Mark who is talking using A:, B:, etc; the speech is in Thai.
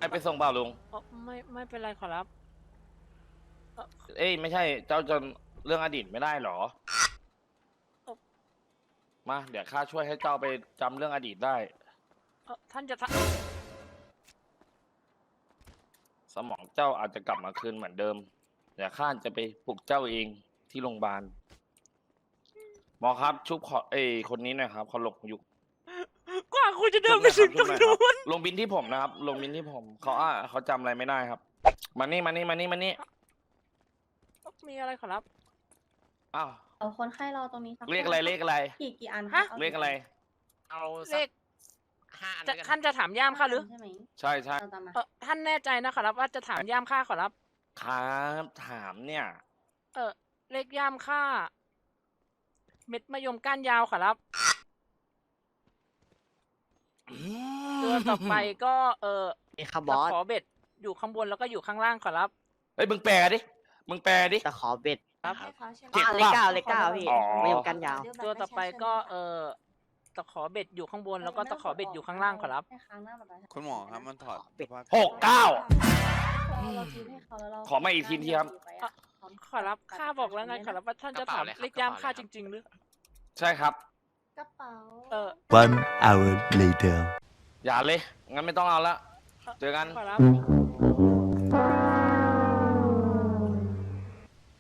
A: ไปส่งเปล่าลุง
B: ไม่เป็นไรขอรับ
A: เอ้ยไม่ใช่เจ้าจนเรื่องอดีตไม่ได้หรอมาเดี๋ยวข้าช่วยให้เจ้าไปจำเรื่องอดีตได้
B: ท่านจะ
A: สมองเจ้าอาจจะกลับมาคืนเหมือนเดิมเดี๋ยวข้าจะไปปลุกเจ้าเองที่โรงพยาบาลหมอครับชุบขอคนนี้หน่อยครับเขาหลบอยู่
B: กว่าคุณจะเดินไปถึงตรงนู้น
A: ลงบินที่ผมนะครับลงบินที่ผมเขาจำอะไรไม่ได้ครับมานี่
B: มีอะไรขอรับ
A: อ้าว
C: เอาคนไข้รอตรงนี้สัก
A: เลขอะไร
C: กี่อัน
B: ฮะ
A: เลขอะไร
D: เอา
B: เลข
D: 5 อัน
B: ท่านจะถามย่ามข้าหรือ
C: ใช่ไหม
A: ใช่
C: เราตามมา
B: ท่านแน่ใจนะขอรับว่าจะถามย่ามข้าขอรับ
A: ครับถามเนี่ย
B: เลขย่ามข้าเม็ดมะยมก้านยาวขอรับตัวต่อไปก็
D: คาร์บอส
B: ขอเบ็ดอยู่ข้างบนแล้วก็อยู่ข้างล่างขอรับ
A: เฮ้ยมึงแปลดิ
D: ตะขอเบ็ด
B: ครับ
A: เจ็บ
D: เลข 9พี่
A: อ๋อ
D: ไม่ยอมกันยาว
B: ตัวต่อไปก็ตะขอเบ็ดอยู่ข้างบนแล้วก็ตะขอเบ็ดอยู่ข้างล่างขอรับ
C: ให้ค้างหน้าบัตรประชาชน
E: คุณหมอครับมันถอด
D: เป็ด
C: เราทีให้เขาแล้วเรา
A: ขอมาอีกทีครับ
B: ขอรับข้าบอกแล้วไงขอรับว่าท่านจะถามเลขย่ามข้าจริงๆหรือ
A: ใช่ครับ
C: กระเป๋า
F: 1 hour later
A: อย่าเลยงั้นไม่ต้องเอาละเจอกัน
B: ขอรับ
C: นี่